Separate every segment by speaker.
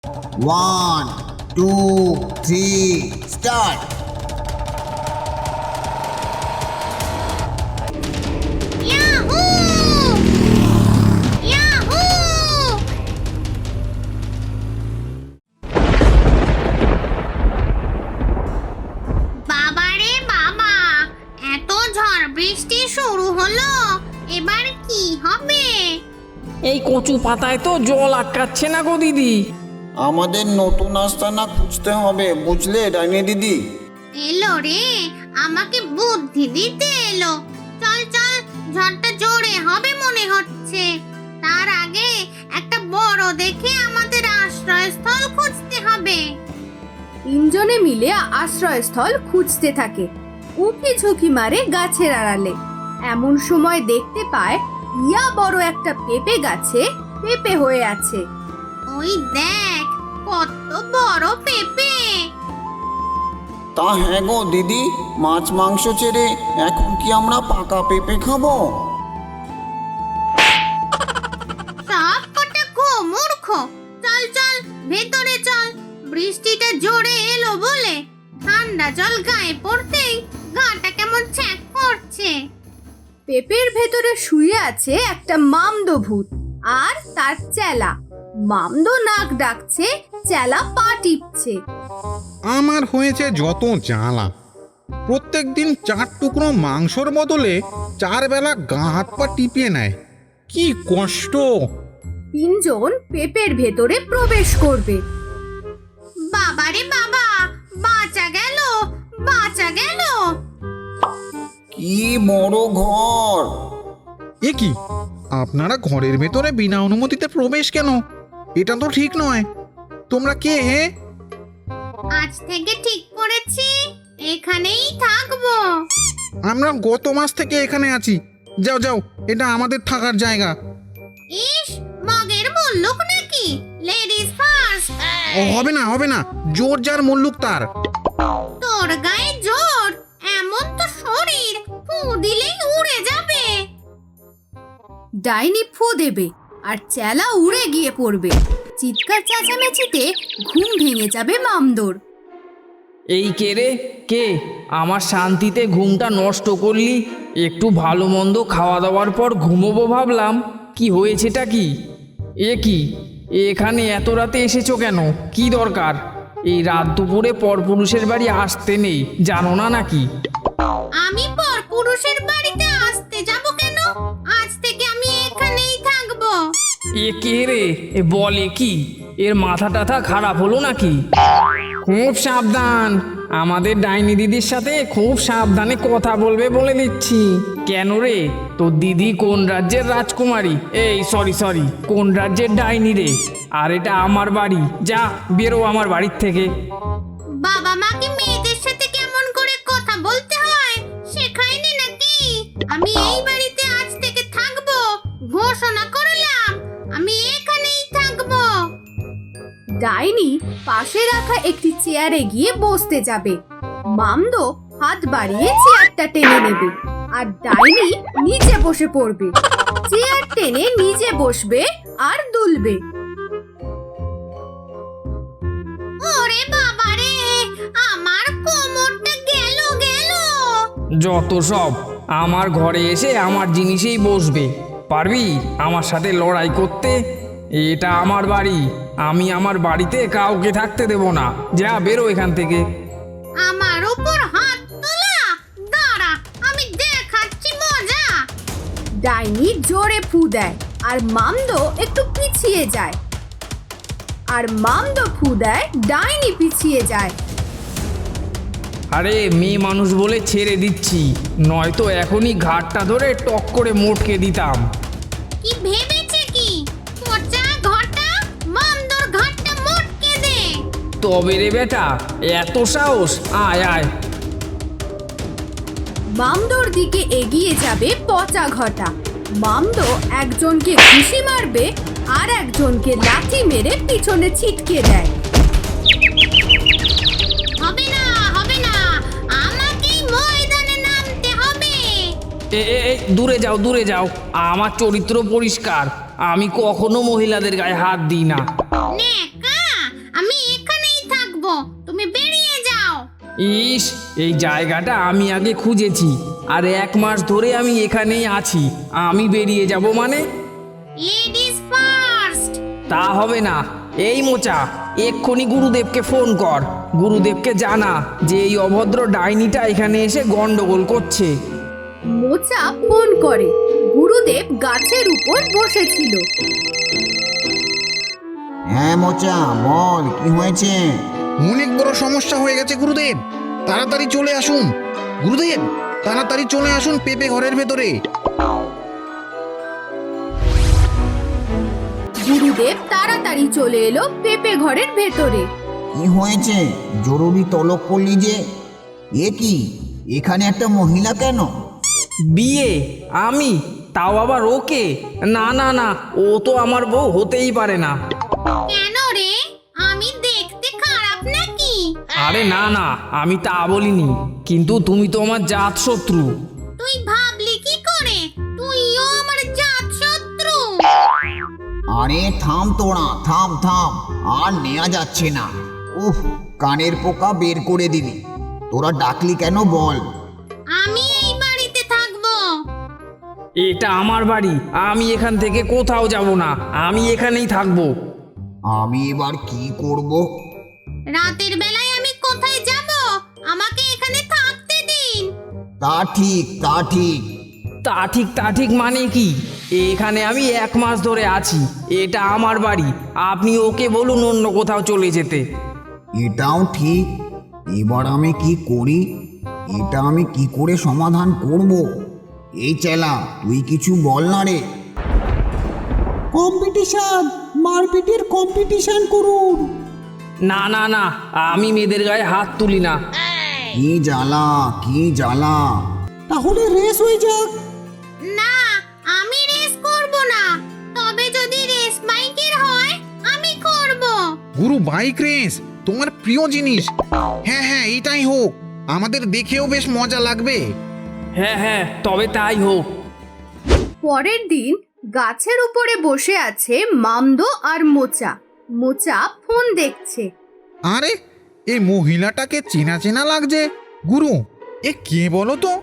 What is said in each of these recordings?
Speaker 1: 1, 2, 3, start!
Speaker 2: Yahoo! Yahoo! বাবারে বাবা, এত ঝড় বৃষ্টি শুরু হলো, এবার কি হবে?
Speaker 3: এই কচু পাতায় তো জল আটকাচ্ছে না গো দিদি।
Speaker 4: আমাদের নতুন আস্তানা খুঁজতে হবে, বুঝলে ডাইনি দিদি?
Speaker 2: এলো রে, আমাকে বুদ্ধি দিতে এলো। চল চল, ঝড়টা জোরে হবে মনে হচ্ছে। তার আগে একটা বড় দেখে আমাদের আশ্রয়স্থল খুঁজতে হবে।
Speaker 5: তিনজনে মিলে আশ্রয়স্থল খুঁজতে থাকে। উঁকি ঝুঁকি মারে গাছের আড়ালে। এমন সময় দেখতে পায় ইয়া বড় একটা পেঁপে গাছে পেঁপে হয়ে আছে।
Speaker 2: ওই দেখ, কত বড় পেঁপে!
Speaker 4: তা হ্যাঁ গো দিদি, মাছ মাংস ছেড়ে এখন কি আমরা পাকা পেঁপে খাবো?
Speaker 2: সব কটা মূর্খ। চল চল, ভেতরে চল। বৃষ্টিটা জোরে এলো বলে ঠান্ডা জল গায়ে পড়তেই গাটা কেমন ছ্যাঁক করছে।
Speaker 5: পেঁপের ভেতরে শুয়ে আছে একটা মামদো ভূত আর তার চেলা। মামদো নাক ডাকছে, চেলা পা টিপছে।
Speaker 6: আমার হয়েছে যত জ্বালা। প্রত্যেক দিন 4 টুকরো মাংসর বদলে 4 বেলা গা হাত পা টিপিয়ে নেয়। কি কষ্ট!
Speaker 5: তিনজন পেঁপের ভেতরে প্রবেশ করবে।
Speaker 2: বাবারে বাবা, বাঁচা গেল, বাঁচা গেল।
Speaker 4: কি বড় ঘর!
Speaker 6: এ কি, আপনারা ঘরের ভেতরে বিনা অনুমতিতে প্রবেশ কেন? এটা তো ঠিক নয়। তোমরা কে হে?
Speaker 2: আজ থেকে ঠিক করেছি এখানেই থাকবো।
Speaker 6: আমরা গত মাস থেকে এখানে আছি। যাও যাও, এটা আমাদের থাকার জায়গা।
Speaker 2: ইস, মগের মুল্লুক নাকি? Ladies first.
Speaker 6: হবে না হবে না, জোর যার মুল্লুক তার।
Speaker 2: তোর গায়ে জোর, এমন তো শরীর, ফু দিলেই উড়ে যাবে।
Speaker 5: ডাইনি ফু দেবে আর চেলা উড়ে গিয়ে পড়বে। চিৎকার চেঁচামেচিতে ঘুম ভেঙে যাবে মামদোর।
Speaker 3: এই কে রে, কে আমার শান্তিতে ঘুমটা নষ্ট করলি? একটু ভালো মন্দ খাওয়া দাওয়ার পর ঘুমোবো ভাবলাম, কি হয়েছেটা কি? এ কি, এখানে এত রাতে এসেছো কেন? কি দরকার? এই রাত দুপুরে পরপুরুষের বাড়ি আসতে নেই, জানো না নাকি?
Speaker 2: আমি পরপুরুষের বাড়িতে আসতে যাব কেন? আজ থেকে আমি এখানেই থাকবো।
Speaker 3: এ কে রে, এ বলে কি? এর মাথা টাথা খারাপ হলো নাকি? খুব সাবধান, আমাদের ডাইনি দিদির সাথে খুব সাবধানে কথা বলবে বলে দিচ্ছি। কেন রে, তোর দিদি কোন রাজ্যের রাজকুমারী? এই সরি, কোন রাজ্যের ডাইনি রে? আর এটা আমার বাড়ি, যা বেরো আমার বাড়ির থেকে।
Speaker 2: বাবা মাকে মেয়েদের সাথে কেমন করে কথা বলতে হয় শেখায়নি নাকি? আমি এই বাড়িতে আজ থেকে থাকবো, ঘোষণা করলাম আমি এখানেই থাকবো।
Speaker 5: ডাইনি পাশে রাখা একটি চেয়ারে গিয়ে বসতে যাবে। মামদো হাত বাড়িয়ে চেয়ারটা টেনে নেবে আর ডাইনি নিচে বসে পড়বে। চেয়ার টেনে নিচে বসবে আর দুলবে।
Speaker 2: ওরে বাবা রে, আমার কোমরটা গেল গেল।
Speaker 3: যত সব, আমার ঘরে এসে আমার জিনিসেই বসবে। পারবি আমার সাথে লড়াই করতে? এটা আমার বাড়ি, আমি আমার বাড়িতে কাউকে থাকতে দেব না। যা বেরো এখান থেকে।
Speaker 2: আমার উপর হাত তোলা, দাঁড়া আমি দেখাচ্ছি মজা।
Speaker 5: ডাইনি জোরে ফু দেয় আর মামদো একটু পিছিয়ে যায়। আর মামদো ফু দেয়, ডাইনি পিছিয়ে যায়।
Speaker 3: আরে মেয়ে মানুষ বলে ছেড়ে দিচ্ছি, নয়তো এখনই ঘাটটা ধরে টক করে মোটকে দিতাম।
Speaker 2: কি ভেবেছে কি? পচা ঘরটা, মামদোর ঘরটা মোটকে দে।
Speaker 3: তবে রে বেটা, এত সাহস? আয় আয়।
Speaker 5: মামদোর দিকে এগিয়ে যাবে পচা ঘটা। মামদো একজনকে ঘুষি মারবে আর একজনকে লাথি মেরে পিছনে ছিটকে দেয়।
Speaker 2: হবে না, হবে না, আমাকেই ময়দানে নামতে হবে।
Speaker 3: দূরে যাও, দূরে যাও। আমার চরিত্র পরিষ্কার, আমি কখনো মহিলাদের গায়ে হাত দিই না।
Speaker 2: নেকা,
Speaker 3: ইস, এই জায়গাটা আমি আগে খুঁজেছি, আর 1 মাস ধরে আমি এখানেই আছি। আমি বেরিয়ে যাব মানে?
Speaker 2: Ladies first.
Speaker 3: তা হবে না। এই মোচা, এক্ষুনি গুরুদেবকে ফোন কর। গুরুদেবকে জানা যে এই অভদ্র ডাইনিটা এখানে এসে গন্ডগোল করছে।
Speaker 5: মোচা ফোন করে। গুরুদেব গাছের উপর বসেছিল।
Speaker 1: হ্যাঁ মোচা, বল কি হয়েছে?
Speaker 6: অনেক বড় সমস্যা হয়ে গেছে গুরুদেব, তাড়াতাড়ি চলে আসুন। গুরুদেব, তাড়াতাড়ি চলে আসুন পেঁপে ঘরের ভেতরে।
Speaker 5: গুরুদেব তাড়াতাড়ি চলে এলো পেঁপে ঘরের ভেতরে।
Speaker 1: কি হয়েছে? জরুরি তলব করলি যে? এ কি, এখানে একটা মহিলা কেন?
Speaker 3: বিয়ে? আমি? তাও আবার ওকে? না না না, ও তো আমার বউ হতেই পারে না।
Speaker 2: কেন রে, আমি দেখতে খারাপ নাকি?
Speaker 3: আরে না না, আমি তা বলিনি, কিন্তু তুমি তো আমার জাত শত্রু।
Speaker 2: তুই ভাবলি কি করে তুইও আমার জাত শত্রু?
Speaker 1: আরে থাম তোরা, থাম থাম, আর নেওয়া যাচ্ছে না। উফ, কানের পোকা বের করে দিবি। তোরা ডাকলি কেন বল?
Speaker 2: আমি এই বাড়িতে থাকবো।
Speaker 3: এটা আমার বাড়ি, আমি এখান থেকে কোথাও যাব না, আমি এখানেই থাকবো।
Speaker 1: আমি এবার কি করব?
Speaker 2: রাতের বেলায় আমি কোথায় যাব? আমাকে এখানে থাকতে দিন।
Speaker 1: তা ঠিক, তা ঠিক।
Speaker 3: তা ঠিক মানে কি? এখানে আমি 1 মাস ধরে আছি, এটা আমার বাড়ি। আপনি ওকে বলুন অন্য কোথাও চলে যেতে।
Speaker 1: এটাও ঠিক। এবার আমি কি করি? এটা আমি কি করে সমাধান করব? এই চেলা, তুই কিছু বল না রে। কম্পিটিশন, মারপিটের কম্পিটিশন করুন।
Speaker 3: না না না, আমি মেয়েদের গায়ে হাত তুলি না।
Speaker 1: কি জ্বালা, কি জ্বালা। তাহলে রেস হয়ে যাক।
Speaker 2: না, আমি রেস করব না। তবে যদি রেস বাইকের হয় আমি করব।
Speaker 6: গুরু, বাইক রেস তোমার প্রিয় জিনিস। হ্যাঁ হ্যাঁ, এটাই হোক, আমাদের দেখেও বেশ মজা লাগবে।
Speaker 3: হ্যাঁ হ্যাঁ, তবে তাই হোক।
Speaker 5: পরের দিন গাছের উপরে বসে আছে মামদো আর মোচা। মোচা ফোন দেখছে।
Speaker 6: আরে, এই মহিলাটাকে চেনা চেনা লাগছে। গুরু, এ কে বলো তো?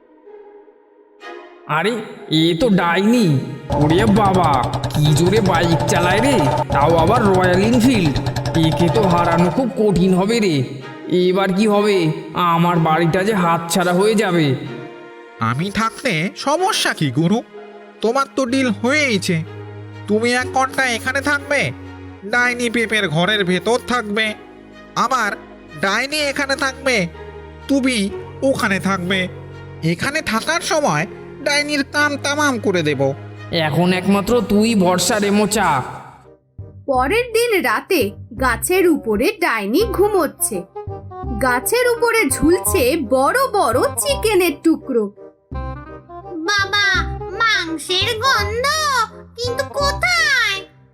Speaker 3: আরে, এ তো ডাইনি। ওরে বাবা, কি জোরে বাইক চালায় রে, তাও আবার রয়্যাল এনফিল্ড। একে তো হারানো খুব কঠিন হবে রে। এবার কি হবে? আমার বাড়িটা যে হাতছাড়া হয়ে যাবে।
Speaker 6: আমি থাকতে সমস্যা কি গুরু? তোমার তো ডিল হয়েইছে। তুমি 1 ঘন্টা এখানে থাকবে, ডাইনি পেপের ঘরের ভেতর থাকবে। আবার ডাইনি এখানে থাকবে, তুমি ওখানে থাকবে। এখানে থাকার সময় ডাইনির কান তামাম করে দেব।
Speaker 3: এখন একমাত্র তুই ভরসা রে মোচা।
Speaker 5: পরের দিন রাতে গাছের উপরে ডাইনি ঘুমোচ্ছে। গাছের উপরে ঝুলছে বড় বড় চিকেনের টুকরো।
Speaker 2: বাবা, মাংসের গন্ধ, কিন্তু কোথায়?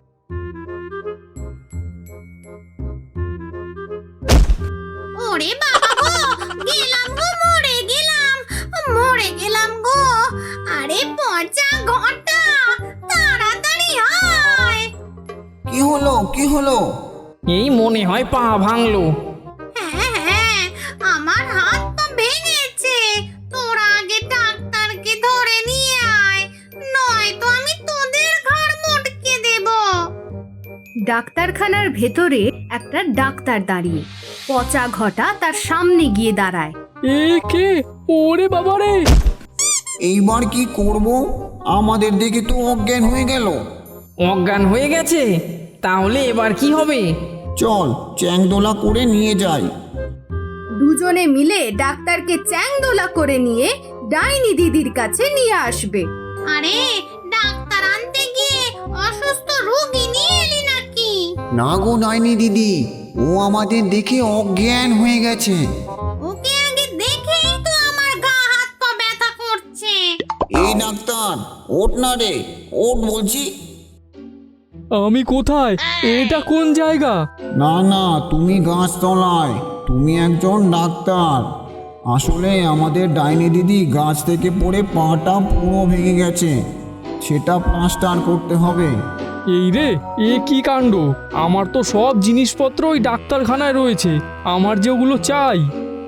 Speaker 2: ওরে বাবা গো, গেলাম গো, মরে গেলাম, মরে গেলাম গো। আরে পচা ঘটা, তাড়াতাড়ি আয়।
Speaker 1: কি হলো, কি হলো?
Speaker 3: এই মনে হয় পা ভাঙলো।
Speaker 2: হ্যাঁ হ্যাঁ, আমার হাত পা ভেঙেছে। তোরা আগে ডাক্তারকে ধরে নিয়ে আয়, নয়তো আমি তোদের ঘাড় মটকে দেব।
Speaker 5: ডাক্তারখানার ভেতরে একটা ডাক্তার দাঁড়িয়ে। পচা ঘটা তার সামনে গিয়ে দাঁড়ায়।
Speaker 3: এ কে? ওরে বাবা রে!
Speaker 1: এইবার কি করব? আমাদের দেখে তো অজ্ঞান হয়ে গেল।
Speaker 3: অজ্ঞান হয়ে গেছে? তাহলে এবার কি হবে?
Speaker 1: চল, চ্যাংদোলা করে নিয়ে যাই।
Speaker 5: দুজনে মিলে ডাক্তারকে চ্যাংদোলা করে নিয়ে ডাইনি দিদির কাছে নিয়ে আসবে।
Speaker 2: আরে, ডাক্তার আনতে গিয়ে অসুস্থ রোগী নিয়ে এলি নাকি?
Speaker 1: না গো ডাইনি দিদি, ও আমাদের দেখে অজ্ঞান হয়ে গেছে।
Speaker 2: ওকে আগে দেখেই তো আমার গা হাত পা ব্যথা করছে।
Speaker 1: এই ডাক্তার, ওঠ না রে, ওঠ বলছি।
Speaker 3: আমি কোথায়? এটা কোন জায়গা?
Speaker 1: না না, তুমি গাছতলায়। তুমি একজন ডাক্তার। আসলে আমাদের ডাইনি দিদি গাছ থেকে পড়ে পাটা পুরো ভেঙে গেছে, সেটা প্লাস্টার করতে হবে।
Speaker 7: এই রে, এ কি কাণ্ড! আমার তো সব জিনিসপত্র ওই ডাক্তারখানায় রয়েছে, আমার যেগুলো চাই।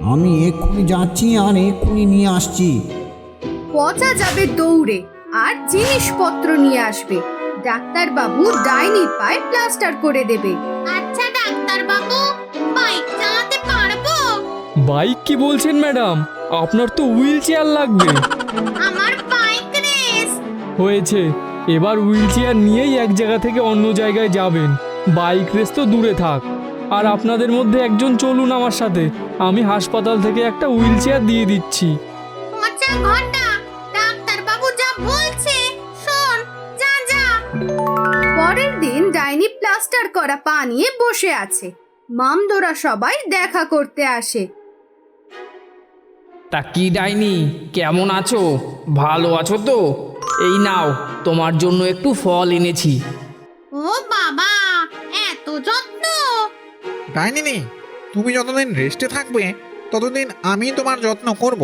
Speaker 1: আমি এক্ষুনি যাচ্ছি আর এক্ষুনি নিয়ে আসছি।
Speaker 5: পচা যাবে দৌড়ে আর জিনিসপত্র নিয়ে আসবে। ডাক্তারবাবু ডাইনির পায়ে প্লাস্টার করে দেবে।
Speaker 2: আচ্ছা ডাক্তার বাবু, বাইক চালাতে পারবো?
Speaker 7: বাইক কি বলছেন ম্যাডাম? আপনার তো হুইল চেয়ার লাগবে।
Speaker 2: আমার বাইক রেস।
Speaker 7: হয়েছে, এবার হুইল চেয়ার নিয়েই এক জায়গা থেকে অন্য জায়গায় যাবেন। বাইক রেস তো দূরে থাক। আর আপনাদের মধ্যে একজন চলুন আমার সাথে, আমি হাসপাতাল থেকে একটা হুইল চেয়ার দিয়ে দিচ্ছি।
Speaker 2: পচা ঘন্টা, ডাক্তার বাবু যা বলছে শোন, যা যা।
Speaker 5: পরের দিন ডাইনি প্লাস্টার করা পা নিয়ে বসে আছে। মামদোরা সবাই দেখা করতে আসে।
Speaker 3: তা কি ডাইনি, কেমন আছো? ভালো আছো তো? এই নাও, তোমার জন্য একটু ফল এনেছি।
Speaker 2: ও বাবা, এত যত্ন!
Speaker 6: ডাইনিনি, তুমি যতদিন রেস্টে থাকবে ততদিন আমি তোমার যত্ন করব।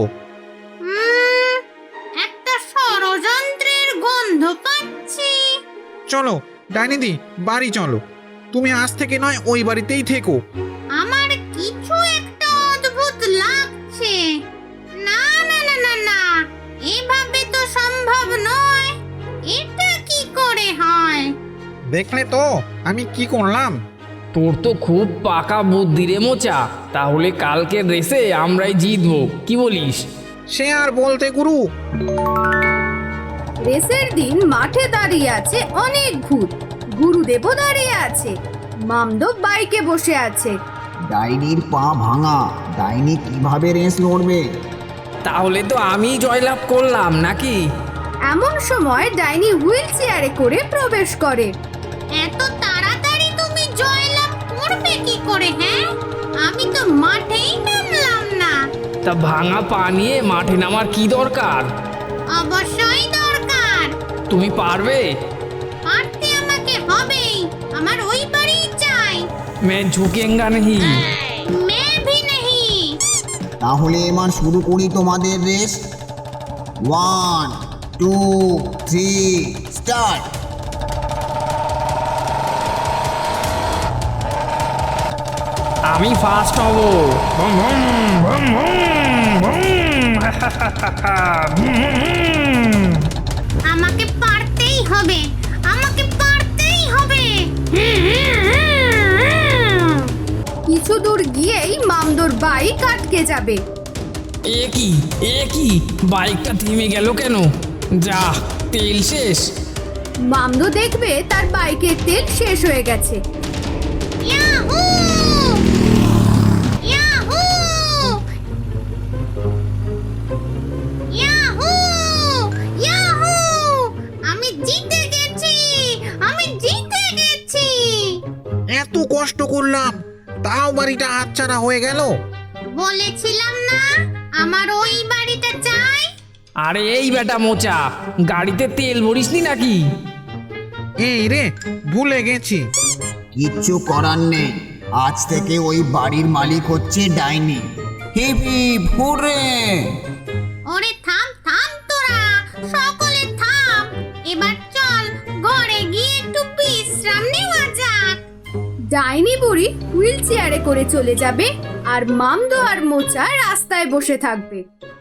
Speaker 2: একটা ষড়যন্ত্রের গন্ধ পাচ্ছি।
Speaker 6: চলো ডাইনিদি, বাড়ি চলো। তুমি আজ থেকে নয় ওই বাড়িতেই থেকো।
Speaker 2: আমার কিছু একটা অদ্ভুত লাগছে। না না না না না, এভাবে তো সম্ভব নয়। এটা কি করে হয়?
Speaker 6: দেখলে তো আমি কি করলাম।
Speaker 3: তোর তো খুব পাকা বুদ্ধি রে মোচা। তাহলে কালকের রেসে আমরাই জিতবো, কি বলিস?
Speaker 6: সে আর বলতে গুরু।
Speaker 5: রেসের দিন মাঠে দাঁড়িয়ে আছে অনেক ভূত। গুরুদেবও দাঁড়িয়ে আছে। মামদো বাইকে বসে আছে।
Speaker 1: ডাইনির পা ভাঙা, ডাইনি কিভাবে রেস লড়বে?
Speaker 3: তাহলে তো আমি জয়লাভ করলাম নাকি?
Speaker 5: এমন সময় ডাইনি হুইল চেয়ারে করে প্রবেশ করে।
Speaker 2: এত তাড়াতাড়ি তুমি জয়লাভ করবে কি করে? হ্যাঁ, আমি তো মাঠেই নামলাম না।
Speaker 3: তা ভাঙা পা নিয়ে মাঠে নামার কি দরকার?
Speaker 2: অবশ্যই দরকার।
Speaker 3: তুমি পারবে?
Speaker 2: পারতে আমাকে হবেই। আমার ওই বাড়ি চাই।
Speaker 3: मैं झुकेंगा नहीं।
Speaker 2: मैं भी नहीं।
Speaker 1: তাহলে এবার শুরু করি তোমাদের রেস। 1 2 3 স্টার্ট।
Speaker 3: আমি ফার্স্ট হব। Boom, boom, boom, boom, boom.
Speaker 2: আমাকে পারতেই হবে। আমাকে পারতেই হবে।
Speaker 5: কিছু দূর গিয়েই মামদোর বাইক আটকে যাবে।
Speaker 3: এ কি বাইকটা থেমে গেল কেন? যা, তেল শেষ।
Speaker 5: মামদো দেখবে তার বাইকের তেল শেষ হয়ে গেছে।
Speaker 2: ইয়াহু! ইয়াহু! ইয়াহু! ইয়াহু! আমি জিতে গেছি। আমি জিতে গেছি।
Speaker 6: এত কষ্ট করলাম, তাও বাড়িটা হাতছাড়া হয়ে গেল।
Speaker 2: বলেছিলাম না আমার ওই বাড়িটা চাই।
Speaker 3: আরে এই বেটা মোচা, গাড়িতে তেল ভরিসনি নাকি?
Speaker 6: এই রে, ভুলে গেছি।
Speaker 1: কিচ্ছু করার নেই, আজ থেকে ওই বাড়ির মালিক হচ্ছে ডাইনি। Hip hip hurray!
Speaker 2: ওরে থাম থাম তোরা, সকলে থাম। এবার চল ঘরে গিয়ে একটু বিশ্রাম নেওয়া যাক।
Speaker 5: ডাইনি বুড়ি হুইল চেয়ারে করে চলে যাবে আর মামদো আর মোচা রাস্তায় বসে থাকবে।